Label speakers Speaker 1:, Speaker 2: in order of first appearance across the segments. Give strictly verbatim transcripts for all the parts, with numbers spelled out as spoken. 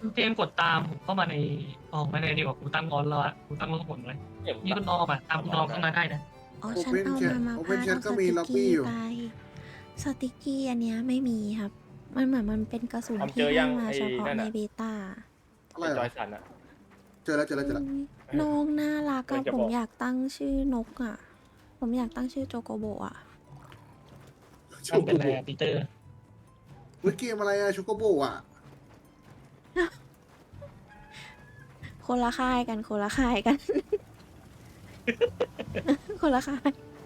Speaker 1: เจมส์กดตามผมเข้ามาในออกมาในดีกว่ากูตั้งงอนแล้วอะกูตั้งงอนผลเลย
Speaker 2: เก็บ
Speaker 1: นี่คุณออมอ่ะตามคุณออมเข้ามาได้นะ
Speaker 3: อ๋อ
Speaker 4: โอ
Speaker 3: ฉัน
Speaker 4: เพน
Speaker 3: เอา
Speaker 4: แชท
Speaker 3: มามา
Speaker 4: โอเพ
Speaker 3: พาน ด
Speaker 4: แชท
Speaker 3: เอา
Speaker 4: ก็
Speaker 3: ส
Speaker 4: มี
Speaker 3: ติก
Speaker 4: ล็อบ
Speaker 3: กี้
Speaker 4: บี้อยู่
Speaker 3: ไปสติกกี้อันเนี้ยไม่มีครับ มันเหมือนมันเป็นกระสุน
Speaker 2: ทำเจ
Speaker 3: ที่
Speaker 2: อ
Speaker 3: ให้
Speaker 2: ยัง
Speaker 3: มา
Speaker 2: ไอ้
Speaker 3: เฉพาะ
Speaker 2: นั่น
Speaker 3: ใน
Speaker 2: อะ
Speaker 3: เบต้า
Speaker 4: อะไร
Speaker 2: ไอ้
Speaker 4: เห
Speaker 2: จ
Speaker 4: ร
Speaker 2: อ
Speaker 4: อย
Speaker 2: สันอะ
Speaker 4: เจอแล้วเจอแล้วเจอแล้ว
Speaker 3: อุ๊ยน้องน่ารัก
Speaker 2: มั
Speaker 3: อะ
Speaker 2: นจะ
Speaker 3: ผ
Speaker 2: บ
Speaker 3: ม
Speaker 2: อก
Speaker 3: อยากตั้งชื่อนกอะผมอยากตั้งชื่อโจโกโบอะ
Speaker 1: มันเป็นอะไรอะปีเตอร์
Speaker 4: เฮ้ยเกมอะไรอะชูโกโบอะ
Speaker 3: คนละค่ายกันคนละค่ายกัน คนละค่าย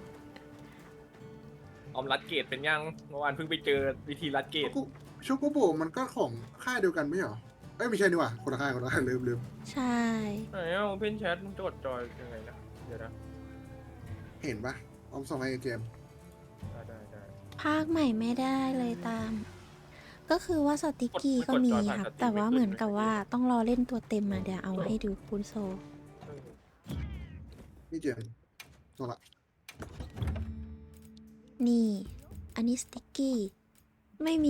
Speaker 2: ออมรัดเกตเป็นยังเมื่อวานเพิ่งไปเจอวิธีรัดเกต
Speaker 4: ชูโกโบมันก็ของค่ายเดียวกันไม่เหรอเอ้ยไม่ใช่นี่หว่าคนละค่ายคนละค่ายลืมลืม
Speaker 3: ใช่
Speaker 2: ไหนอ่ะเพนแชทมึงจดจอยยังไงนะเดี๋ยวนะ
Speaker 4: เห็นปะออมส่งให้เจมส์
Speaker 2: ได้ได้ได้
Speaker 3: ภาคใหม่ไม่ได้เลยตาม ก็คือว่าสติกกี้ก็มีครับ แต่ว่าเหมือนกับว่าต้องรอเล่นตัวเต็มมาเดี๋ยวเอาให้ดูคุณโซ
Speaker 2: เออ
Speaker 4: นี่เจมส์ส่งละ
Speaker 3: นี่ อันนี้สติกกี้ ไม่มี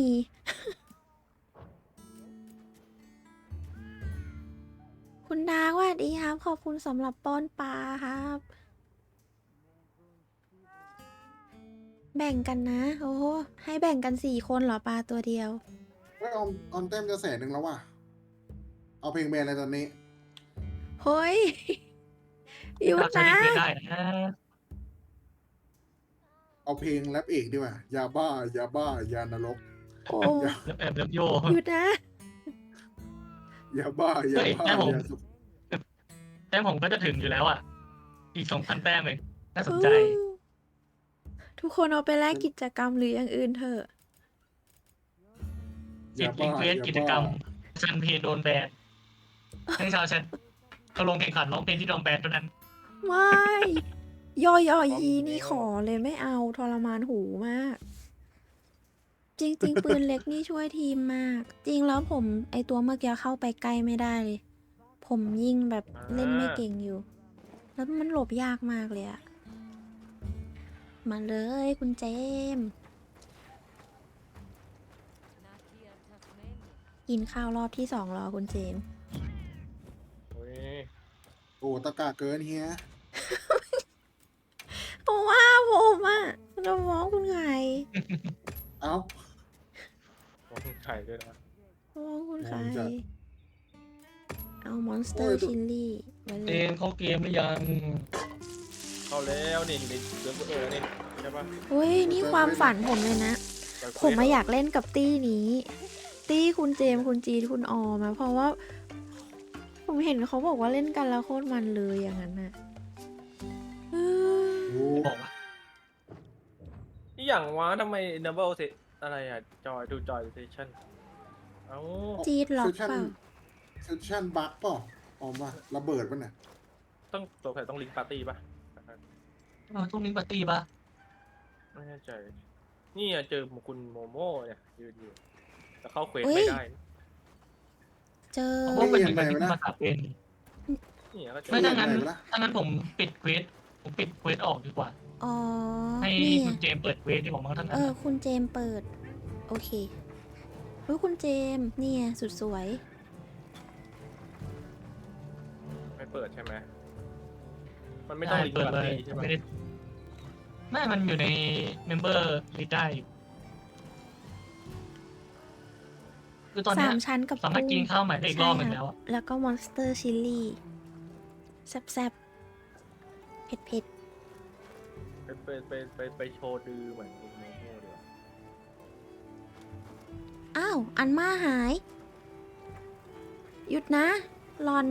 Speaker 3: คุณดาสวัสดีครับ ขอบคุณสำหรับป้อนปลาครับ แบ่งกันนะ โอ้โหให้แบ่งกันสี่คนเหรอปลาตัวเดียว
Speaker 4: เฮ้ยออมออมเต็มจะแสนหนึ่งแล้วว่ะเอาเพลงแบนอะไรตอนนี้
Speaker 3: เฮ้ย อยู่
Speaker 1: เราใช้
Speaker 3: นะ
Speaker 1: เพื่อนได้นะ
Speaker 4: เอาเพลงแรปเอกดีกว่ายาบ้ายาบ้ายานรก
Speaker 3: โอ้
Speaker 1: แล้วแอบแล้วโย
Speaker 3: หยุดนะ
Speaker 4: ยาบ้ายาบ้ายาสุก
Speaker 1: แต้มผมก็จะถึงอยู่แล้วอ่ะ อีกสองพันแต้มเลยน่าสนใจ
Speaker 3: ทุกคนเอาไปแลกกิจกรรมหรืออย่างอื่นเถอะ
Speaker 1: จิตรีเควสกิจกรรมชันเพลงโดนแบนให้ชาวชันเขาลงแข่งขันร้องเพลงที่โดนแบนเท่านั้น
Speaker 3: ไม่ยอยอยีนี่ขอเลยไม่เอาทรมานหูมาก จริง ๆ ปืนเล็กนี่ช่วยทีมมาก จริงแล้วผมไอตัวเมื่อกี้เข้าไปใกล้ไม่ได้เลย ผมยิงแบบเล่นไม่เก่งอยู่ แล้วมันหลบยากมากเลยอะมาเลยคุณเจมส์กินข้าวรอบที่สองรอคุณเจมส์
Speaker 2: เฮ้ย
Speaker 4: โอ้ตะกาเกินเฮีย
Speaker 3: เพราะว่าผมอะเราฟ้องคุณไง
Speaker 4: เอ้า
Speaker 2: มองไข่ด้วยนะ
Speaker 3: ฟ้องคุณไง
Speaker 4: มองจัด
Speaker 3: เอามอนสเตอร์ชิลลี่ไปเล
Speaker 1: เจ
Speaker 3: ย
Speaker 1: มเข้าเกมหรือยัง
Speaker 2: เข้าแล้วนี่อยู่ในเรื่องเออนี่ใช่ปะ
Speaker 3: เฮ้ย นี่ความฝันผมเลยนะ ผมมาอยากเล่นกับตี้นี้ ตี้คุณเจมส์คุณจีนคุณออมาเพราะว่า ผมเห็นเขาบอกว่าเล่นกันแล้วโคตรมันเลยอย่างนั้นน่ะเออ
Speaker 4: โอ้
Speaker 1: บอกว่า
Speaker 2: นี่อย่างวะทำไม Enable เซอะไรอะจอยดูจอยเซชั่นเอ้า
Speaker 3: จีดล็อก
Speaker 4: เซสชั่น
Speaker 3: เปล่า
Speaker 4: เซสชั่นบั๊กป่ะออมว่าระเบิดป่ะเนี่ย
Speaker 2: ต้องตัวใครต้องลิงก์ปาร์ตี้ปะ
Speaker 1: เราต้องลิงก์ปาร์ตี้ปะ
Speaker 2: ไม่แน่ใจนี่อะเจอคุณโมโม่เนี่ยยืนอยู่แต่เข้าเควสไม่ได้
Speaker 3: เจอ
Speaker 1: เพราะว่ามันมีมันมีมาตัดเป็น
Speaker 2: นี่ก็เจอ
Speaker 1: ไม่ถ้างั้น
Speaker 4: ไหนวะล่ะ
Speaker 1: ถ้างั้นผมปิดเควสผมปิดเควสออกดีกว่า
Speaker 3: อ๋อ
Speaker 1: ให้
Speaker 3: นี่
Speaker 1: คุณเจมส์เปิดเควสที่ผมมาทั้ง
Speaker 3: เอ
Speaker 1: นั้น
Speaker 3: อ คุณเจมส์เปิด โอเครู้ยคุณเจมส์เนี่ยสุดสวย
Speaker 2: ไม่เปิดใช่ไหมมันไม่ต้องลิงก์
Speaker 1: เปิด
Speaker 2: ปาร์
Speaker 1: เลย
Speaker 2: ตี้ใช่ปะ
Speaker 1: ไม่ได้ไม่มันอยู่ในเมมเบอร์ลิสต์ได้อยู่คือตอนเนี้
Speaker 3: สาย มชั้นกับ
Speaker 1: สามารถกินข้าวใหม่ได้อีกรอบหนึ่งแล้วอะ
Speaker 3: แล้วก็มอนสเตอร์ชิลลี่แซ่บๆ เผ็ด
Speaker 2: ไปไปไปไปไปโชว์ดือเหมือนคุณโมโม่ดีกว่า
Speaker 3: ๆ อ้าว อันมาหาย หยุดนะ ลอน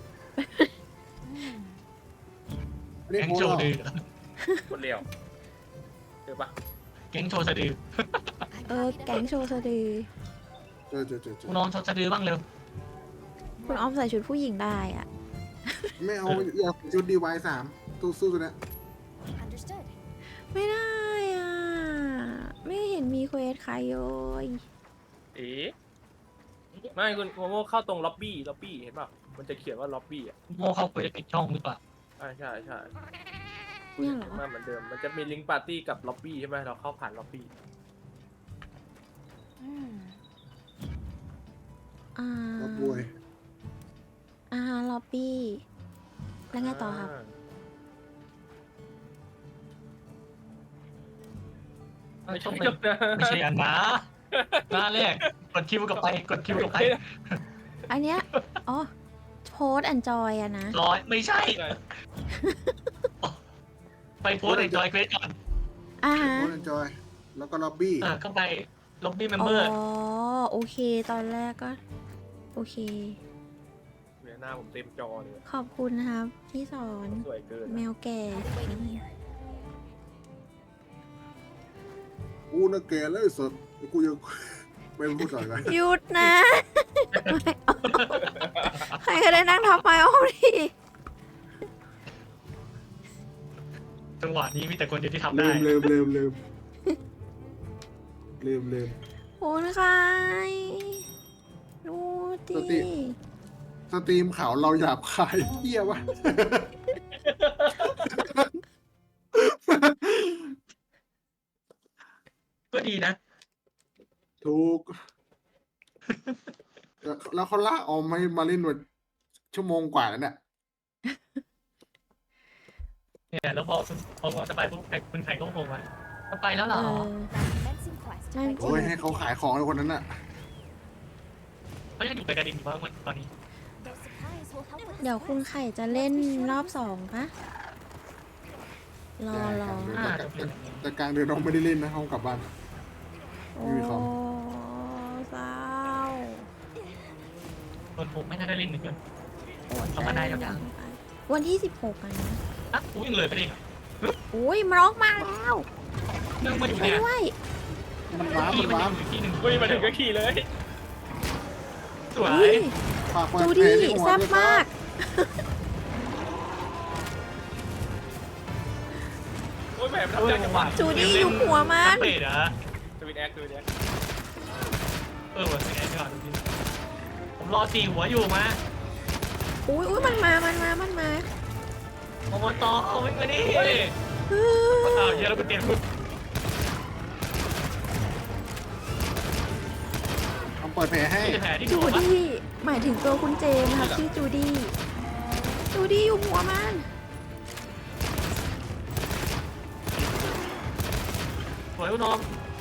Speaker 4: ไม่ได้
Speaker 1: แก๊ง
Speaker 4: โพส
Speaker 1: โช
Speaker 4: ต์หร
Speaker 1: ว์
Speaker 4: อ
Speaker 1: ดื้อ
Speaker 2: คนเดียวเจอปะ
Speaker 1: แก๊งโชว์สะดือ
Speaker 3: เออ แก๊งโชว์สะดือ
Speaker 4: เจอเจอเจอเจ
Speaker 1: คุณ
Speaker 4: อ
Speaker 1: น้องโชว์สะดือบ้างเร็ว
Speaker 3: คุณออมใส่ชุดผู้หญิงได้อะ
Speaker 4: ไม่เอาอยากชุดดีวายสามตู้สู้ตัวเนี้ย
Speaker 5: Understood.
Speaker 3: ไม่ได้อ่ะ ไม่เห็นมีเควสใครเลย
Speaker 2: เอ๊ะไม่คุณโมโม่เข้าตรงล็อบบี้ล็อบบี้เห็นป่ะมันจะเขียนว่าล็อบบี้อ่ะ
Speaker 1: โม่เข้าเควสปิดช่องหรือเปล่า
Speaker 2: ใช่ใช่ใช่
Speaker 3: เนี่ยเหรอ
Speaker 2: มาเหมือนเดิมมันจะมีลิงก์ปาร์ตี้กับล็อบบี้ใช่ไหมเราเข้าผ่านล็อบบี้
Speaker 5: Hmm.
Speaker 3: อ่า
Speaker 4: ก็บวย
Speaker 3: อาหารล็อบบี้ แล้วไงต่อครับ
Speaker 2: ไม่ใช่
Speaker 1: ไม่
Speaker 2: หรอกนะ
Speaker 1: ไม่ใช่อันนะหน้าแรกกดคิวกับไปกดคิวกับไป
Speaker 3: อันเนี้ย อ๋อโพสแอนจอยอะนะ
Speaker 1: ร้อยไม่ใช่ ไปโพสต์ในจอยเควสก่อน
Speaker 3: อ่าฮะ
Speaker 4: โค้ดจอย แล้วก็ล็อบบี้
Speaker 1: เออเข้าไปล็อบบี้เมม
Speaker 3: อ๋
Speaker 1: เบ
Speaker 3: อ
Speaker 1: อร์
Speaker 3: โอเค ตอนแรกก็ โอเค
Speaker 2: เวียหน้าผมเต็มจอเลย
Speaker 3: ขอบคุณนะครับ ที่สอน
Speaker 2: สวยเกิน
Speaker 3: แมวแก่
Speaker 4: กูน่ะแกแล้วไอ้สดกูยัง ไม่พูดต่อกัน
Speaker 3: หยุดนะ ไม่เอาใครก็ได้นั่งทับไปอ้อมดิ
Speaker 1: จังหวะนี้มีแต่คนเดียวที่ทำ
Speaker 4: ลื
Speaker 1: ได้
Speaker 4: มลืมลืมลืมลืมลืม
Speaker 3: โอ้ยใครดูดิ
Speaker 4: สติ สตรีมข่าวเราหยาบคายเหี้ยวะ
Speaker 1: ก็ดีนะ
Speaker 4: ถูก แล้วแล้วเขาลากออกมาให้มาเล่นวันชั่วโมงกว่าแล้วเนี่ย
Speaker 1: เนี่ยแล้วพอพอพอจะไปปุ๊บไอ้คุณไข่ก็โผล่มาจะไปแล้วเหร
Speaker 3: เอ
Speaker 1: อ
Speaker 3: อ นั่นจ
Speaker 4: โอ้
Speaker 3: ริ
Speaker 4: ย
Speaker 3: ง
Speaker 4: ให้เขาขายของเลยคนนั้นน่ะ
Speaker 1: เขายังอยู่ไปกระดิ่งอยู่บ้างตอนนี้
Speaker 3: เดี๋ยวคุณไข่จะเล่นรอบสองปะรอรอ
Speaker 1: อ่าจะเป็นอย่างนี้
Speaker 4: แต่กลางเดือนน้องไม่ได้เล่นนะห้องกลับบ้าน
Speaker 3: โอ้
Speaker 4: ไม่มีของ
Speaker 3: เศร้า
Speaker 1: คนผมไม่น่าได้เล่นเหมือนกัน
Speaker 3: โอด
Speaker 1: เอามาได้แล้วยัง
Speaker 3: วันที่สิบหกอ่ะนะ
Speaker 1: อ่ะอุ้ยยังเลยไปเองอ่ะ
Speaker 3: อุ้ยมันร้องมาแล้ว
Speaker 1: นั่งมาอยู่
Speaker 3: ช่วย
Speaker 1: เนี่ย
Speaker 3: ด้วย
Speaker 4: มันว้าบ
Speaker 1: ที่
Speaker 4: มัน
Speaker 1: มัน
Speaker 4: ว้าบ
Speaker 1: อยู่ที่หนึ่ง
Speaker 2: เฮ้ยมาถึงก็ขี่เลย
Speaker 1: สวย
Speaker 3: อุ้ย
Speaker 4: ฝากเปิด
Speaker 3: จู
Speaker 4: เพล
Speaker 3: ดี้
Speaker 4: งที่หัว
Speaker 3: แซ่บ
Speaker 4: ด้วย
Speaker 3: มาก
Speaker 2: โอ้ยแหมมันทำได้จังหวะ
Speaker 3: จูดี้อยู่หัวมัน
Speaker 1: เปรตเหรอ
Speaker 2: สวิตแอคสวิตแอค
Speaker 1: เออวันนี้ก่อนดูดิผมรอตีหัวอยู่มา
Speaker 3: อุ้ยอุ้ยมันมา มันมา มันมา
Speaker 1: โอมตอเอาไว้มาดิ
Speaker 3: เฮ้ย
Speaker 1: อ้าวเยอะแล้วกูเตรียมคุณ
Speaker 4: ต้องเปิดเพลงให้
Speaker 1: ที่แผลที่
Speaker 3: จู
Speaker 1: หัวปะ
Speaker 3: ดี้ หมายถึงตัวคุณเจมส์ครับชื่อจูดี้ จูดี้อยู่หัวมัน
Speaker 1: สวยคุณน้อง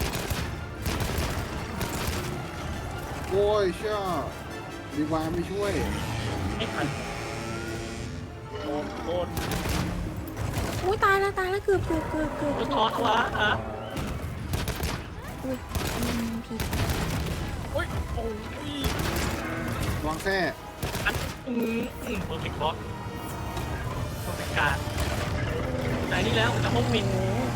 Speaker 4: โอ้ยเชื่อดีวาไม่ช่วย
Speaker 1: ไม่ทัน
Speaker 2: โดนโดน
Speaker 3: อุ้ยตายแล้วตายแล้วเกือบเกือบเกือบเกือบ
Speaker 1: โอ้ทอตัวอ่ะ
Speaker 3: อุ้ยอืมผิด
Speaker 2: โอ้ยโอ้ยว
Speaker 4: างแท้
Speaker 1: อันอืมอืมเพอร์เฟกต์บอสเพอร์เฟกต์การไหนนี่แล้วจะห้องปิด
Speaker 3: โอ้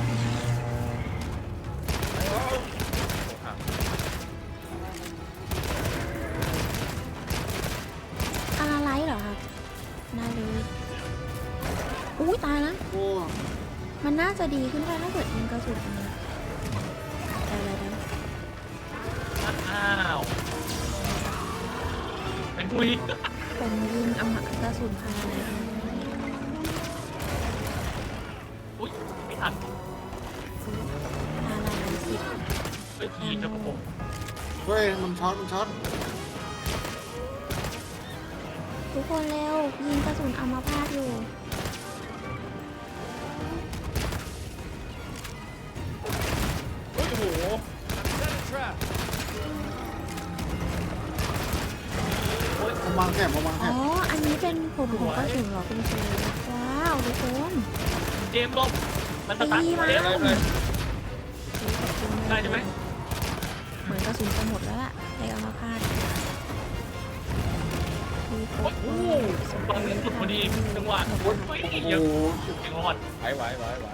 Speaker 3: อาราไลท์เหรอครับได้เลย อุ้ยตายแล้ว
Speaker 4: โอ้
Speaker 3: มันน่าจะดีขึ้นได้ถ้าเกิดยิงกระสุนอันนี้ได้ได้ได้
Speaker 1: อ้าวเป็นคุย
Speaker 3: ผมยิงเอากระสุนพาราไลท์
Speaker 1: อุ้ยไม่ทัน
Speaker 3: พาราไลท์สิบ
Speaker 1: เฮ้ยทีจะผม
Speaker 4: เฮ้ยมันช็อตมันช็อต
Speaker 3: ทุกคนเร็ว ยิงกระสุนอัมพาตอยู่
Speaker 2: โอ้ยโอ้โห
Speaker 4: มันวางแถบมันวางแถ
Speaker 3: อ๋อ
Speaker 4: บ
Speaker 3: อันนี้เป็นผมของกระสุนเหรอคุณเจว้าวทุกคน
Speaker 1: เจมส์ลบมันสตาร์ท
Speaker 3: ตีมา
Speaker 1: เร็ว
Speaker 2: ได้เลย
Speaker 1: ได้ใช่ไหม
Speaker 3: เหมือนกระสุนจะหมดแล้วล่ะในอัมพาตมีคร
Speaker 1: โอ้
Speaker 3: บ
Speaker 1: โหตอนนี้สุดพอดีจังหวะโอ้ย
Speaker 4: โอ้
Speaker 1: เยอะ
Speaker 4: โห
Speaker 1: ยังรอด
Speaker 2: ไหวไหวไหวไหว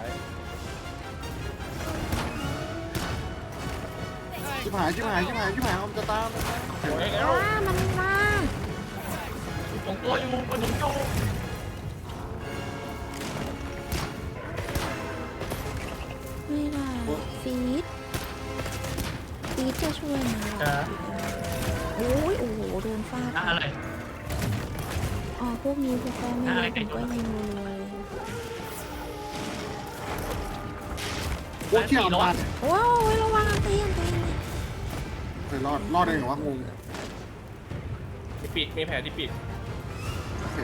Speaker 4: ชิบหายชิบหายชิบหายชิบหายมันจะตาม
Speaker 2: โอ้ยแล้ว
Speaker 3: ว้ามันมา
Speaker 1: ผมตัวอยู่มันผมอยู่
Speaker 3: ไม่ได้ฟีดฟีดจะช่วยนะ
Speaker 1: จะ
Speaker 3: โอ้ยโอ้โหโดนฟาด
Speaker 1: อะไร
Speaker 3: อ๋อพวกนี้พวกแกไม่
Speaker 1: อะไร
Speaker 3: รู้ผมก็
Speaker 1: ไก่
Speaker 3: ยิงรัวๆเลย
Speaker 4: โอ้เชี่ยมัน
Speaker 3: โอ้ยระวังอันตีอันตี
Speaker 4: เฮ้ยรอดรอดได้ไงวะงง
Speaker 2: มีปิดมีแผลที่ปิด
Speaker 4: โอเค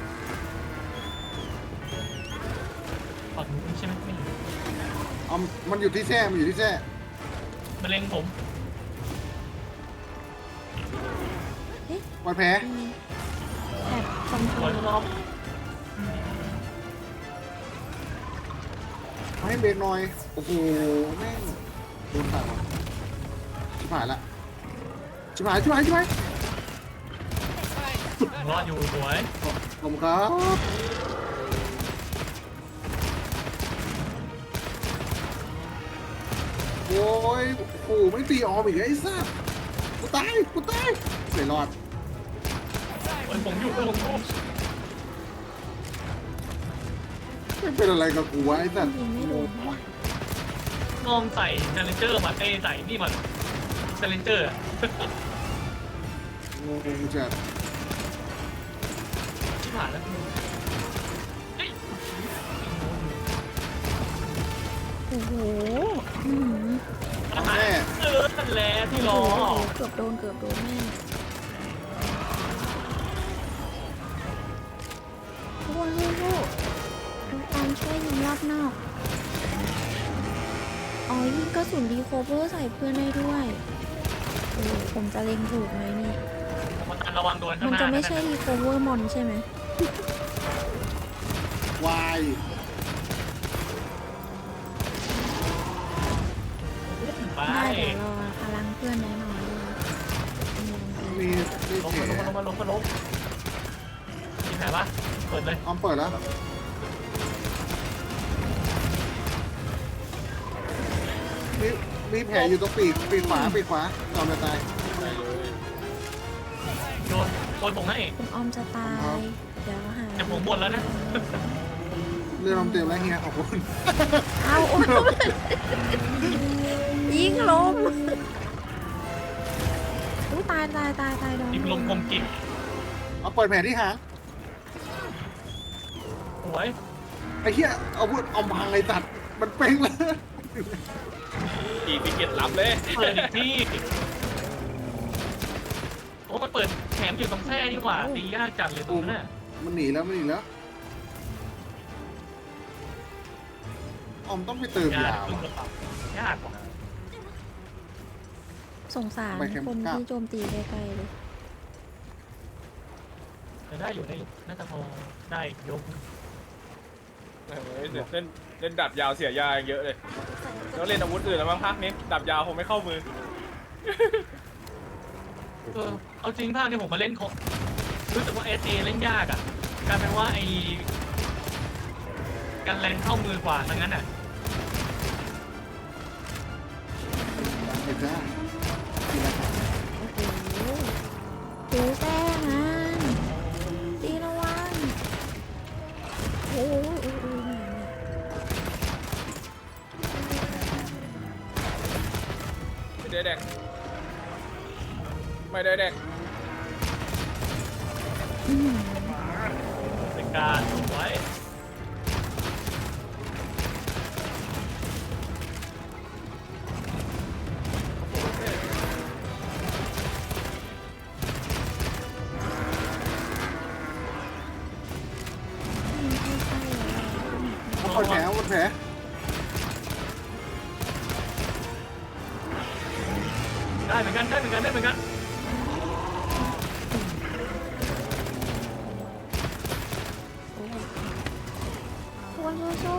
Speaker 1: ฝั่งนู้นใช่ไหมไม่รู้
Speaker 4: เอามันอยู่ที่แท้มันอยู่ที่แท้
Speaker 1: มันเล็งผม
Speaker 4: ปล่อยแผล
Speaker 3: แบบคอนโทร
Speaker 1: หัว
Speaker 3: ล
Speaker 1: ล้อม
Speaker 4: มาให้เบรกหน่อยโอ้โหแม่งโดนตายว่ะชิบหายละชิบหายชิบหายชิบหาย
Speaker 1: รอดอยู่สวย
Speaker 4: ขอบคุณครับโอ้ยโอ้โหไม่ตีออมอีกไอ้สัสกูตายกูตายไม่รอด
Speaker 1: โอ้ยผมอยู่ผมอยู่
Speaker 4: ไม่เป็นอะไรกับกูวะไอ้สัส
Speaker 3: ยิงไม่โดน
Speaker 1: นอมใส่เซเลนเจอร์มาเอ้ยใส่นี่มันเซเลนเจอร์
Speaker 4: งงจัด
Speaker 1: ที่ผ่านแล้วเฮ้ย
Speaker 3: โอ้โหอื้อหือ
Speaker 1: อาหารเออนั่นแหละที่รอ
Speaker 3: โอ้โหเกือบโดนเกือบโดนแม่ทุกคนลูกๆทุกคนช่วยยิงรอบนอก อ๋อยิงกระสุนดีโคเวอร์ใส่เพื่อนได้ด้วยโอ้ผมจะเล็งถูกไหมนี่
Speaker 1: มาตันระวังโดนข้าง
Speaker 3: มัน
Speaker 1: หน้า
Speaker 3: จะไม่ใช่ดีโคเวอร์มอนใช่ไหม
Speaker 4: วาย
Speaker 1: ไป
Speaker 3: ได้เดี๋ยวรอพลังเพื่อนน้อยๆเลย
Speaker 4: มีมี
Speaker 1: ลง
Speaker 4: แผล
Speaker 1: มาลงมาลงมาลงมีแผลปะเปิดเลย
Speaker 4: ออมเปิดแล้วมีมีแผลอยู่ตรงปีกปีกขวาปีกขวาจอมจะตาย
Speaker 2: ได้เลย
Speaker 1: โดนโดนผมให้
Speaker 3: คุณออมจะตาย เดี๋ยวหา
Speaker 1: แต่ผมหมดแล้วนะ
Speaker 4: เรือลมเต็มแล้วเฮียขอบคุณ
Speaker 3: เอาโอ้ยยิงลมอู้ตายตายตายตายโดน
Speaker 1: ยิงลมกลมกิบ
Speaker 4: เอาเปิดแผลที่หาง
Speaker 1: สวย
Speaker 4: ไอ้เหี้ยเอาพูดเอาพังไอ้ตัดมันเป้งเลย
Speaker 2: อีพิเกตรับเลย
Speaker 1: เปิดอีกที่โอ้มันเปิดแถมอยู่ตรงแท้ดีกว่าตียากจัดเลยตรงนั้นน่ะ
Speaker 4: มันหนีแล้วมันหนีแล้วออมต้องไปเติม
Speaker 1: ยาย
Speaker 4: า
Speaker 1: ครึ่ง
Speaker 4: ว่ะ
Speaker 1: กระเป๋ายากกว่า
Speaker 3: สงสาร
Speaker 4: ไปเข็ม
Speaker 3: คน
Speaker 4: เก้า
Speaker 3: ที่โจมตีใกล้ๆเลย
Speaker 1: แต่ได้อยู่ได้อยู่น่าจะพอได้ยก
Speaker 2: เล่นเล่นเล่นดับยาวเสียยาเยอะเลยแล้วเล่นอาวุธอื่นแล้วมั้งพักนี้ดับยาวคงไม่เข้ามือ
Speaker 1: เออเอาจริงภาคที่ผมมาเล่นเขารู้สึกว่าเอสเอเล่นยากอ่ะกลายเป็นว่าไอ้การแรงเข้ามือกว่าทั้งนั้นอ่ะ
Speaker 4: เห็นได้ทีละครับ
Speaker 3: โอ้โหโอ้แป้งมันตีระวังโอ้โหโอ้โห
Speaker 2: ไม่ได้แดกไม่ได้แดก
Speaker 3: อื้อหือ
Speaker 1: เป็นการไว้
Speaker 4: เอาเปิดแผลเอาเปิดแผล
Speaker 1: ได้เหมือนกันได้เหมือนกันได้เหมือนกัน
Speaker 3: ควรสู้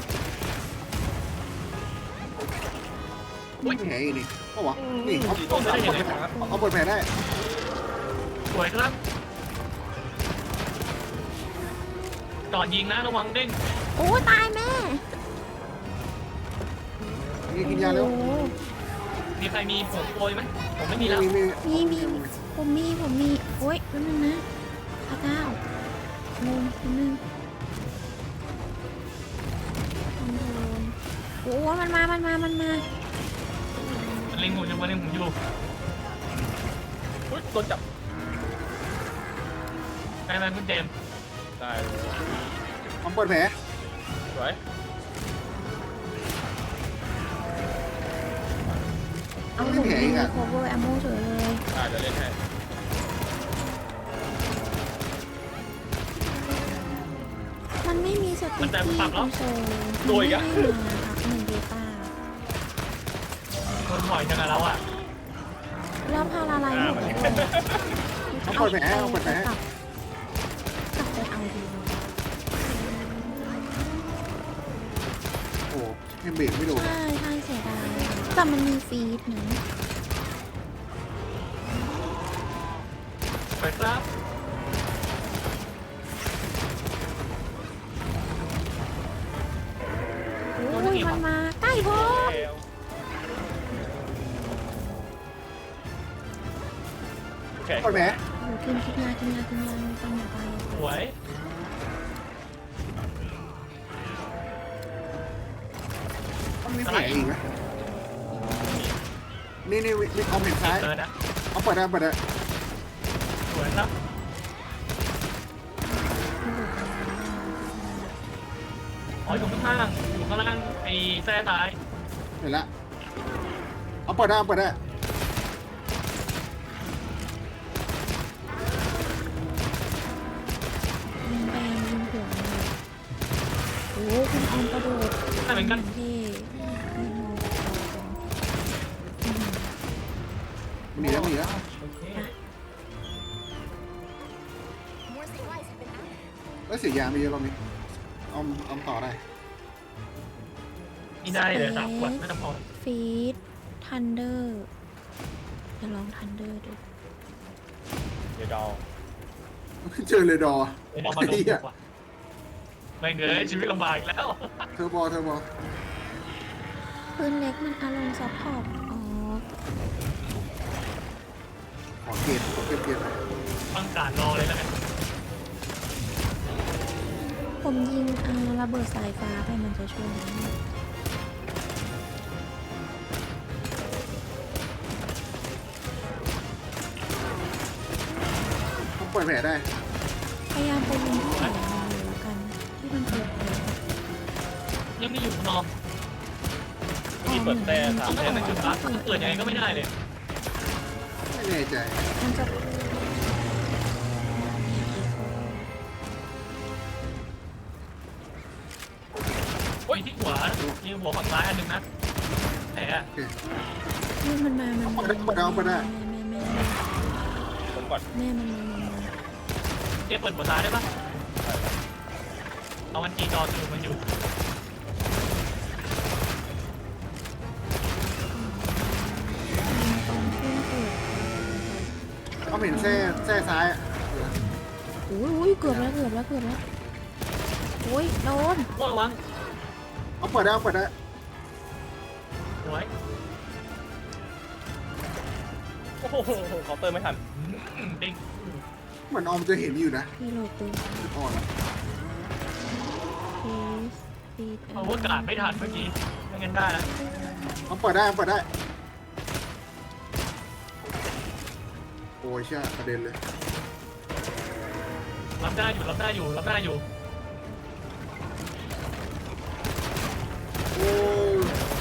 Speaker 4: อุ้ยแผลอีกนี่ก็วะนี่เอา
Speaker 2: ต้องได้เห็นเลยครับ
Speaker 4: เอาเปิดแผลได้
Speaker 1: สวยครับจอดยิงนะระวังเด้ง
Speaker 3: ๆโอ้ตายแม่
Speaker 4: นี่กินยาเร็ว
Speaker 3: โอ้โห
Speaker 1: มีใครมีผมโปรยไหมผมไม่มีแล้ว
Speaker 4: มีมี
Speaker 3: มีมีผมมีผมมีโอ้ยแป๊บนึงนะพระเจ้าลงแป๊บนึงคอนโทรลโอ้มันมา มันมา มันมา
Speaker 1: มันเล็งผมอยู่มันเล็งผมอยู่
Speaker 2: อุ้ยโดนจับ
Speaker 1: ไปไปคุณเจมส์
Speaker 2: ได้เลย
Speaker 4: เอาเปิดแผล
Speaker 2: สวย
Speaker 3: เอาผมมี cover ammo เฉยเลย
Speaker 2: อ่าเดี๋ยวเล่นให้
Speaker 1: มันจะปรับแล้ว
Speaker 3: โซ
Speaker 2: โดยอีกอะ
Speaker 3: ไม่ให้มาครับหนึ่งเดต้า
Speaker 1: คนถอยจังอะแล้วอ่ะ
Speaker 3: แล้วพาราไลน์หมดเลย
Speaker 4: เอาเปิดแผลเอาเปิดแผล
Speaker 3: กลับกลับไปเอาดี
Speaker 4: โอ้เฮมเบรกไม่โดน
Speaker 3: ใช่ใช่เสียดายแต่มันมีฟีดนะ
Speaker 1: ไปครับ
Speaker 3: โอ้ยมันมาใกล้พอ
Speaker 2: โอเค
Speaker 4: เปิดแผล
Speaker 3: โอ้กินกินยากินยากินยาต้องอย่าไป
Speaker 1: สวย
Speaker 4: ต้องมีแผลอีกไหมนี่นี่วิเอาเห็นซ้าย
Speaker 1: เกิดนะ
Speaker 4: เอาเปิดได้เปิดได้
Speaker 1: สวยครับอ๋ออยู่ข้างล่างอยู่ข้างล่างไอ้แท้ซ้าย
Speaker 4: เห็นละเอาเปิดได้เอาเปิดได้
Speaker 3: ยิงแปงยิงหัวเลยโอ้คุณออมกระโดด
Speaker 1: ได้เหมือนกัน
Speaker 3: เท่
Speaker 4: มันหนีแล้วมันหนีแล้ว
Speaker 1: โอเค
Speaker 4: แล้วเสียยาไม่เยอะรอบนี้เอาเอาต่อได้
Speaker 1: นี่ได้เลยสามขวดไม่ต้องพอ
Speaker 3: ฟีดทันเดอร์จะลองทันเดอร์ดู
Speaker 2: เดี๋ยวดอ
Speaker 4: เจอเลยดอ
Speaker 1: เดี๋ยวเอามาลงดีกว่าไม่เงยชีวิตลำบากอีกแล้ว
Speaker 4: เทอร์โบเทอร์โบ
Speaker 3: ปืนเล็กมันอารมณ์ซัพพอร์ตอ๋อ
Speaker 4: ขอเกณฑ์ขอเก็บเกณฑ์หน่อย
Speaker 1: ฟังการรอเลยแล้วกัน
Speaker 3: ผมยิงอ่าระเบิดสายฟ้าไปมันจะช่วยไหม
Speaker 4: ต้องเปิดแผลได้
Speaker 3: พยายามไปยิงที่แขนมันเลยละกันที่มันเปิดแผล
Speaker 1: ยังไม่อยู่นอน
Speaker 2: มีเปิดแต่สาม
Speaker 1: ไม่
Speaker 2: แท่
Speaker 1: ได้
Speaker 2: ง
Speaker 1: เป็นจุดรักเปิดยังไงก็ไม่ได้เลย
Speaker 4: ไม่แน่ใจ
Speaker 3: มันจะ
Speaker 1: มีที่หัวมีหัวฝั่งซ้ายอันหนึ่งนะแผล
Speaker 4: โอเค
Speaker 3: นี่มันมามัน
Speaker 4: เอาเปิดเอาเปิดเอาเปิดได้
Speaker 3: แม่แม่
Speaker 2: ผมก่อน
Speaker 3: แม่แม่มันมามันมา
Speaker 1: เจ๊เปิดหัวซ้ายได้ปะเอามันจีจอสรุปมันอยู่
Speaker 3: ตอนที่เปิด
Speaker 4: เอาเห็นแส้แส้ซ้ายอะ
Speaker 3: โอ้ยโอ้ยเกือบแล้วเกือบแล้วเกือบแล้วโอ้ยโดน
Speaker 1: โอ้ระวัง
Speaker 4: เอาเปิดได้เอาเปิดได้
Speaker 1: สวย
Speaker 2: โอ้โหเคาน์เตอร์ไม่ทัน
Speaker 1: ดิ้ง
Speaker 4: เหมือนออมจะเห็นอยู่นะ
Speaker 3: พี่โหลดปืน
Speaker 4: อ่อนละ
Speaker 3: พีสพีด
Speaker 1: เอาว่ากาดไม่ทันเมื่อกี้ไม่งั้นได้แล้ว
Speaker 4: เอาเปิดได้เอาเปิดได้โอ้ยเช่ประเด็นเลย
Speaker 1: รับได้อยู่รับได้อยู่รับได้อยู่
Speaker 4: โอ้ย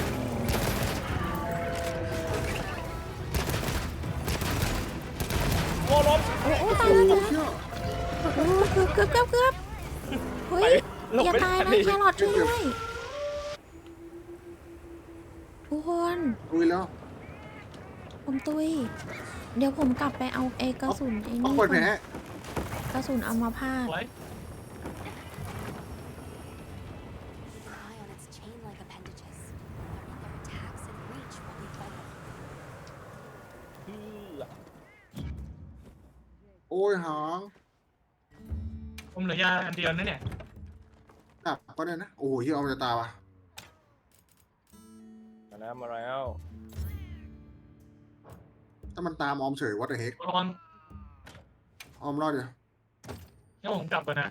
Speaker 2: โอ้ล้ม
Speaker 3: โอ้โอ้
Speaker 4: โอ้
Speaker 3: ตายแล้ว
Speaker 4: โห
Speaker 3: ตาย
Speaker 4: เชี่
Speaker 3: แล้ว
Speaker 4: ย
Speaker 3: โอ้เกือบเกือบเกือบเกือบเฮ้ย
Speaker 2: หลบ
Speaker 3: อย่า
Speaker 2: ไม่
Speaker 3: ตาย
Speaker 2: ทัน
Speaker 3: นะ
Speaker 2: ดิ
Speaker 3: แครอทช่วยด้วยทุกคน
Speaker 4: ลุยแล้ว
Speaker 3: ผมตุยเดี๋ยวผมกลับไปเอาไอ้กระสุนไอ้
Speaker 4: เอา
Speaker 3: นี่
Speaker 4: เปิดแผล
Speaker 3: ก่อนกระสุนเอามาพาด
Speaker 1: สวย
Speaker 5: Rely on its chain-like appendages. Learning their attacks and reach while we fight them.
Speaker 4: โอ้ยหาง
Speaker 1: ผมเหลือยาอันเดียวนั่นเนี่ย
Speaker 4: ดับก็ได้นะโอ้โหเฮียออมจะตายว่ะ
Speaker 2: มาแล้วมาแล้ว
Speaker 4: ถ้ามันตามออมเฉยวัดเดอะเฮก
Speaker 1: ระวัง
Speaker 4: ออมรอดเดียว
Speaker 1: งั้นผมกลับก่อนนะ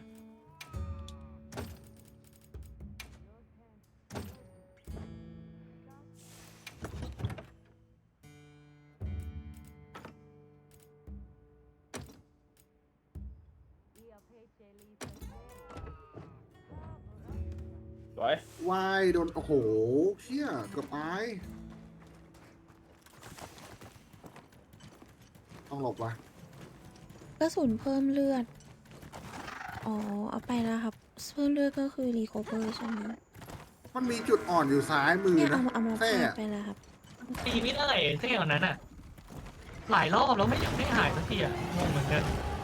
Speaker 2: สวย
Speaker 4: วายโดนโอ้โหเชี่ยเกือบตายต้องหลบว่ะ
Speaker 3: กระสุนเพิ่มเลือด อ๋อ เอาไปแล้วครับเพื่อนเลือดก็คือรีโคเวอร์ใช่ไหม
Speaker 4: มันมีจุดอ่อนอยู่ซ้ายมือ
Speaker 3: เนี่ย
Speaker 4: นะ
Speaker 3: เอาเอามา
Speaker 4: แท้
Speaker 3: พาดไปแล้วครับ
Speaker 1: ตีไม่ได้เท่านั้นอ่ะ หลายรอบแล้วไม่อยากให้หายสักทีอ่ะงงเหมือนกัน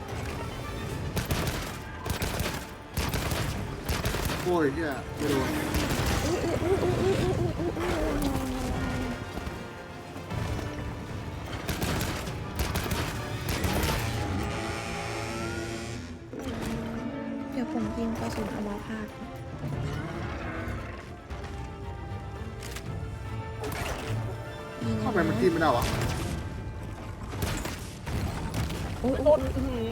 Speaker 4: โอ้ยเฮียไม่โดน
Speaker 3: อุ๊ยอุ๊ยอุ๊ยอุ๊ยอุ๊ยอุ๊ยอุ๊ยอุ๊ยอุ๊ยเดี๋ยวผมยิงกระสุนเอามาพาดยิง
Speaker 4: เข้าไปมันกินไม่ได้วะ
Speaker 3: อุ๊ยอุ๊ยอุ๊ย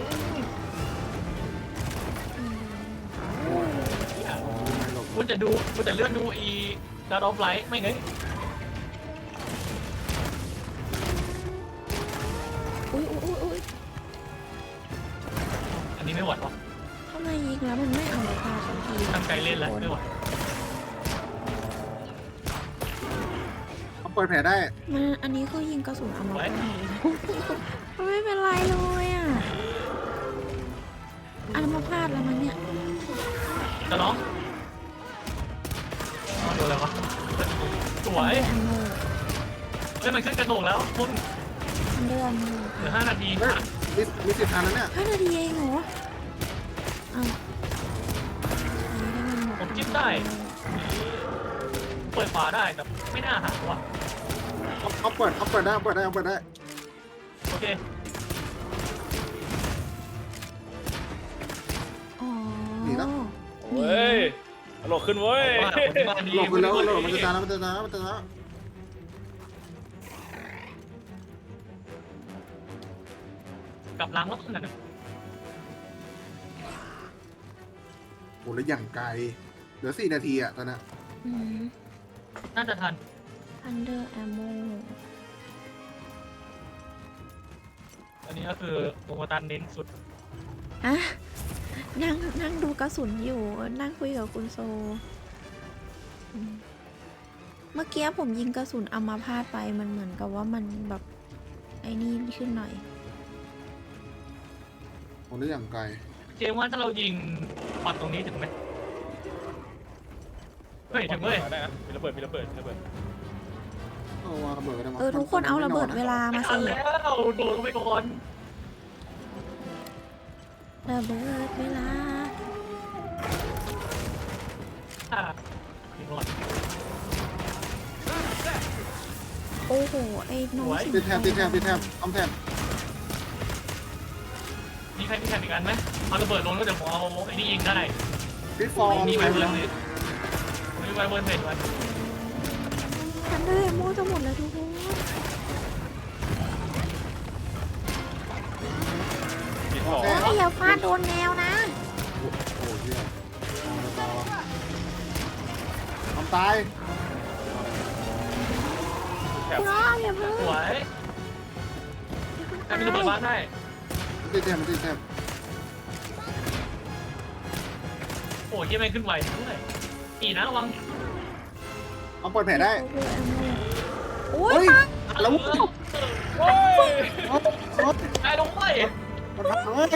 Speaker 4: ไม่หลบ
Speaker 1: คุณจะดูคุณจะเลื่อนดูอีดาร์ดอฟไลท์ไม่เงย
Speaker 3: อุ๊ยอุ๊ยอุ๊ยอุ๊ย
Speaker 1: อันนี้ไม่ไหวหรอก
Speaker 3: ทำไมยิงแล้วมันไม่เอามาพาดสักที
Speaker 1: ตั้งใจเล่นแล้วไม่ไหว
Speaker 4: เขาเปิดแผลได้
Speaker 3: มันอันนี้คือยิงกระสุนเอามาพาดมันไม่เป็นไรเลยอ่ะอันมาพาดแล้วมันเนี่ย
Speaker 1: จะน้องอ๋อโดนอะไรวะสวย
Speaker 3: อันโม
Speaker 1: เล่นมันขึ้นกระโดดแล้วคุณ
Speaker 3: อันเดอร์อันโม
Speaker 1: เหลือห้านาที
Speaker 4: เฮ้ยมีมีสิทธิ์ทันนะเนี่ย
Speaker 3: ห้านาทีเองเหรออ้าวอันนี้ได้มันหมด
Speaker 1: ผมจิ้มได้ เปิดฝาได้แต่ไม่น่าหาว่ะ
Speaker 4: เขาเขาเปิดเขาเปิดได้เขาเปิดได้เขาเปิดได้
Speaker 1: โอเค
Speaker 3: อ๋อ
Speaker 2: เว้ยตลกขึ้นเว้ย
Speaker 1: ว่าคนที่บ้านดี
Speaker 4: หลบไปแล้วหลบมันจะตายแล้วมันจะตายแล้วมันจะตายแล้ว
Speaker 1: กลับล้างรถนั่นน่ะ
Speaker 4: โหแล้วอย่างไกลเหลือสี่นาทีอะตอนนี้
Speaker 3: อืม
Speaker 1: น่าจะทัน
Speaker 3: อันเดอร์แอมโม
Speaker 1: อันนี้ก็คือโปรโมตันเน้นสุด
Speaker 3: อ่ะนั่งนั่งดูกระสุนอยู่ นั่งคุยกับคุณโซอืมเมื่อกี้ผมยิงกระสุนเอามาพาดไปมันเหมือนกับว่ามันแบบไอ้นี่ขึ้นหน่อย
Speaker 4: โหแล้วอย่างไกล
Speaker 1: เจมส์ว่าถ้าเรายิงปัดตรงนี้ถึงไหมเฮ้ยถึงเว้ย
Speaker 2: ได้นะมีระเบิดมีระเบิดมีระเบิด
Speaker 4: เอาวางระเบิดไว้ได้มั้ย
Speaker 3: เออทุกคนเอาระเบิดเวลา
Speaker 1: ไม่
Speaker 3: มา
Speaker 1: ทั
Speaker 3: สิ
Speaker 1: นแล้วโดนไปก่อน
Speaker 3: ระเบิดเวลา
Speaker 1: อ่ะยิงก่อน
Speaker 3: โอ้โห ไอ้น้องสิง
Speaker 4: ติดแทบติดแทบ
Speaker 3: โต
Speaker 4: ติดแทบทำแทบ
Speaker 1: มีใครมีแทนอีกอันไหมเอาระเบิดลงแล้วเดี๋ยวผมเอาไอ้นี่ยิงได้
Speaker 4: ฟิตฟอร์ม
Speaker 1: มีไว
Speaker 4: ไป
Speaker 1: เบิ
Speaker 4: เล
Speaker 1: ร์น
Speaker 4: ย
Speaker 1: เลยมีไวเบิร์นเสร็จไว้
Speaker 3: ทันเดอร์แอมโมจะหมดแล้วทุกคน
Speaker 2: ผิดสอง
Speaker 3: เฮ้ยอย่าฟาดโดนแนวนะ
Speaker 4: โอ้โหเฮียเอาต่อทำตาย
Speaker 2: แถบ
Speaker 3: คุณอ้อมอย่าเพิ่ง
Speaker 1: สวยใครมีระเบิดบ้านได้
Speaker 4: มันติดแทบมันติดแทบ
Speaker 1: โอ้ยยังไม่ขึ้นไหวด้วยอีนะระวัง
Speaker 4: เอาเปิดแผลได้
Speaker 3: โอ้ย
Speaker 4: เฮ้ย
Speaker 3: ปัง
Speaker 4: แล้ว
Speaker 2: โอ้ย
Speaker 1: ตายลงไป
Speaker 4: มันพังเลย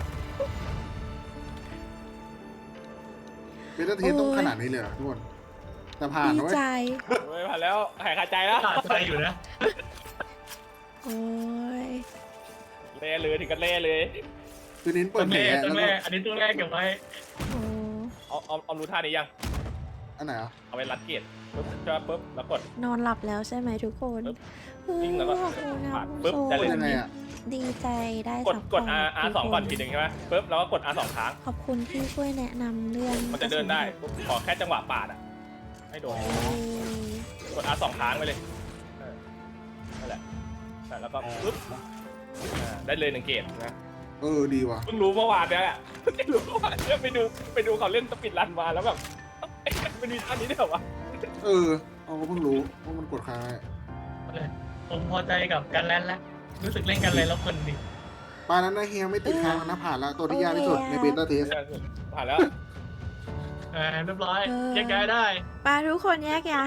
Speaker 4: เป็นเทียนต้องขนาดนี้เลยเหรอทุกคนแต่ผ่าน
Speaker 3: ดี
Speaker 4: นะเว้ย
Speaker 3: ใจ
Speaker 2: เฮ้ยผ่านแล้วหายคาใจแล้ว
Speaker 1: ขาดใจอยู่นะ
Speaker 3: โอ้ย
Speaker 2: เล่เลยถึงกันเล่เลย
Speaker 4: คือเน้นเปิ
Speaker 1: ต้
Speaker 4: ด
Speaker 1: น
Speaker 4: แผล
Speaker 1: แม่ต้
Speaker 4: แล้
Speaker 1: น
Speaker 4: ว
Speaker 1: แม่
Speaker 4: ก็
Speaker 1: อันนี้ตัวแรกเก็บไว้
Speaker 3: โอ้
Speaker 2: เอาเอาเอารู้ท่านี้ยัง
Speaker 4: อันไหนอ่ะ
Speaker 2: เอาไปรัดเกียร์ปุ๊บจะปุ๊บแล้วกด
Speaker 3: นอนหลับแล้วใช่ไหมทุกคน
Speaker 2: ปึ๊บ
Speaker 3: เฮ้ย
Speaker 2: วิ่งแล้วก็
Speaker 3: ขอบคุณนะ
Speaker 2: ปาด
Speaker 3: คุณ
Speaker 2: ปึ๊บ
Speaker 3: โซ
Speaker 2: ได้เลย
Speaker 4: ยังไงอ่ะ
Speaker 3: ดีใจได้
Speaker 2: กด
Speaker 3: ซัพพ
Speaker 2: ก
Speaker 3: อ
Speaker 2: ด
Speaker 3: ร์ต
Speaker 2: R R สอง
Speaker 3: ทุ
Speaker 2: ก่อน
Speaker 3: ค
Speaker 2: ทีหนึ่งใช่ไหมปุ๊บแล้วก็กด R สองครั้ง
Speaker 3: ขอบคุณที่ช่วยแนะนำเรื่อง
Speaker 2: มันจะเดินได้ปุ๊บขอแค่จังหวะปาดอ่ะให้โดน
Speaker 3: เอ้ย
Speaker 2: กด R สองครั้งไปเลยเออนั่นแหละแล้วก็ปุ๊บอ่าได้เลยหนึ่งเกตนะ
Speaker 4: เออดีว่ะ
Speaker 2: เพิ่งรู้เมื่อวานเนี่ยแหละเพิ่งรู้เมื่อวานเนี่ยไปดูไปดูเขาเล่นสปิดรันมาแล้วแบบเอ๊ะมันมีท่านี้ด้วยเหรอวะ
Speaker 4: เออเอาก็เพิ่งรู้ว่ามันกดค้างได้
Speaker 1: ผมพอใจกับการแลนแล้วรู้สึกเล่นกันเลยแล้วคนดี
Speaker 4: ปลานั้นนะเฮียไม่ติดค้างนะผ่านแล้วตัวที่ยากที่สุดในเบต้าเทส
Speaker 2: ผ่านแล้ว
Speaker 1: อ่าเรียบร้อยแยกย้ายได้
Speaker 3: ปาทุกคนแยกย้าย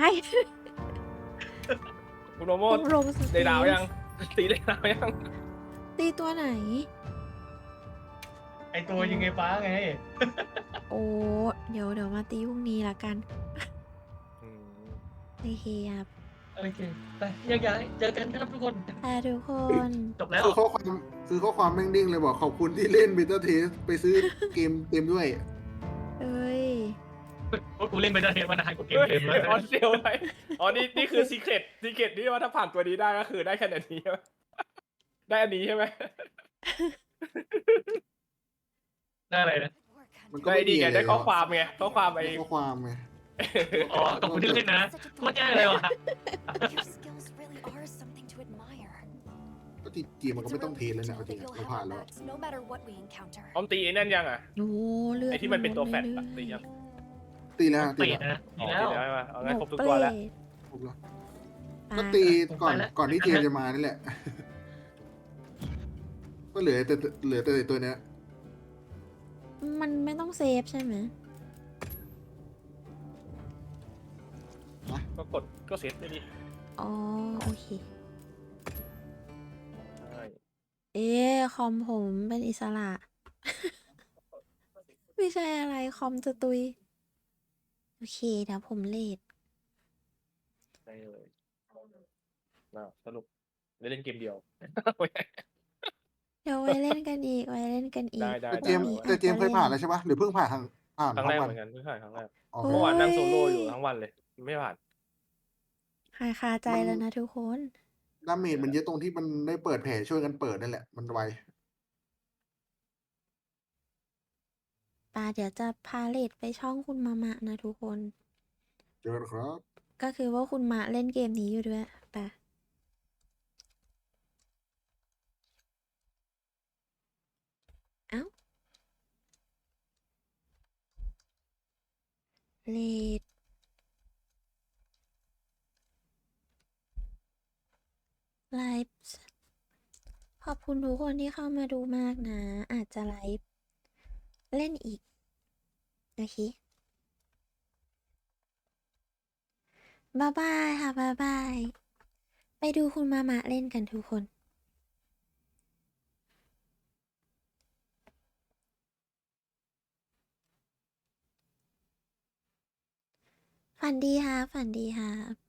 Speaker 2: คุณโมโม
Speaker 3: คุณโรมส
Speaker 2: ได้ดาวยังตีได้ดาวยัง
Speaker 3: ตีตัวไหน
Speaker 1: ไอตัวยิงไงฟ้าไง
Speaker 3: โอ้เดี๋ยวเดี๋ยวมาตีพรุ่งนี้ละกัน
Speaker 2: อืม
Speaker 3: โอเคครับ
Speaker 1: โอเคไปแยกย้ายเจอกันครับทุกคน
Speaker 3: ค่ะทุกคน
Speaker 1: จบแล้ว
Speaker 4: คือข้อความคือข้อความแม่งดิ้งเลยบอกขอบคุณที่เล่น Beta Test ไปซื้อเกมเต็มด้วย
Speaker 3: เอ้ย
Speaker 1: กูเล่นไปได้เทปวันอาหารกูเกม
Speaker 2: เฮ้ย
Speaker 1: เต็มแล้ว
Speaker 2: ออนเซลไปอ๋อนี่นี่คือซีเครตซีเครตที่ว่าถ้าผ่านตัวนี้ได้ก็คือได้แค่อันนี้ใช่ไหมได้อันนี้ใช่ไหม
Speaker 1: ได้อะไรนะ
Speaker 5: Good work,
Speaker 4: มันก็
Speaker 2: ได้
Speaker 4: ไม่
Speaker 2: ดี
Speaker 4: มี
Speaker 2: ไง
Speaker 4: อะไร
Speaker 2: ได้ข้อความไงข้อความไอ้
Speaker 4: ข้อความไง
Speaker 1: อ๋อขอบคุณที่เล่นนะโคตรยากเลยวะ
Speaker 5: Your skills really are something to admire.
Speaker 4: ก็จริงๆมันก็
Speaker 5: It's a
Speaker 4: ไม่ต้องเท
Speaker 5: relief
Speaker 4: เลย
Speaker 5: to
Speaker 4: นะ
Speaker 5: know
Speaker 4: เอาจริ
Speaker 5: that
Speaker 4: ง
Speaker 5: you'll
Speaker 4: เรา
Speaker 5: have
Speaker 4: ผ่าน
Speaker 5: our
Speaker 4: แล้ว
Speaker 5: backs no matter what we encounter.
Speaker 2: ออมตีไอ้นั่นยังอ่ะ
Speaker 3: โอ้เลือด
Speaker 2: ไอ้ที่มันเป็นตัวแฟลต
Speaker 3: ล
Speaker 2: อะ
Speaker 3: ด
Speaker 2: ตียัง
Speaker 4: ตีแล้ว
Speaker 1: เป
Speaker 4: ตี
Speaker 1: ลี่ย
Speaker 4: แล้ว
Speaker 1: นนะ
Speaker 2: อ๋
Speaker 1: ดี
Speaker 2: อ
Speaker 1: แล้ว
Speaker 2: ตีได้ปะเอา
Speaker 3: ห
Speaker 2: งั้น
Speaker 3: นู
Speaker 2: ครบทุก
Speaker 3: เป
Speaker 2: ตัว
Speaker 3: ร
Speaker 2: แล้ว
Speaker 3: ต
Speaker 4: ครบแล้ว
Speaker 3: อ่ะ
Speaker 4: ก็ตีก่อน
Speaker 1: ไปแล้ว
Speaker 4: ก่อนที่เทมจะมานี่แหละ ก็เหลือแต่เหลือแต่ตัวเนี้ย
Speaker 3: มันไม่ต้องเซฟใช่ไหม
Speaker 2: ก็กดก็เซตได้ดิ
Speaker 3: อ๋อ โอเค
Speaker 2: ใช่
Speaker 3: เอ๊ะคอมผมเป็นอิสระ ไม่ใช่อะไร คอมจะตุย โอเค เดี๋ยวผมเลด
Speaker 2: ได้เลยน่าสรุปได้เล่นเกมเดียว
Speaker 3: เดี๋ยวไว้เล่นกันอีก ไว้เล่นกันอีก
Speaker 2: ได้ได้
Speaker 4: แต่เจมส์
Speaker 3: พรุ่งนี้
Speaker 4: แต่เจมส์เคยผ่านแล้ว
Speaker 3: อาจจะ
Speaker 4: ใช่ปะหรือเพิ่งผ่านทางผ่าน
Speaker 2: ครั้ง
Speaker 4: ทั้
Speaker 2: แรก
Speaker 4: งวั
Speaker 2: เห
Speaker 4: น
Speaker 2: มือนกันเพิ่งผ่านครั้งแรก
Speaker 4: อ๋อ
Speaker 3: โอ้
Speaker 2: เมื่อวานนั่งโซโล่อยู่ทั้งวันเลย ไม่ผ่าน
Speaker 3: หายคาใจแล้วนะทุกคน
Speaker 4: ดาเมจมันเยอะตรงที่มันได้เปิดแผลช่วยกันเปิดนั่นแหละ มันไว
Speaker 3: ปาเดี๋ยวจะพาเลดไปช่องคุณมามะนะทุกคน
Speaker 4: เจอกันครับ
Speaker 3: ก็คือว่าคุณมะเล่นเกมนี้อยู่ด้วยปะเอ้า เลดไลฟ์ขอบคุณทุกคนที่เข้ามาดูมากนะ อาจจะไลฟ์เล่นอีก โอเคบายบายค่ะบายบาย ไปดูคุณมามะเล่นกันทุกคน ฝันดีค่ะ ฝันดีค่ะ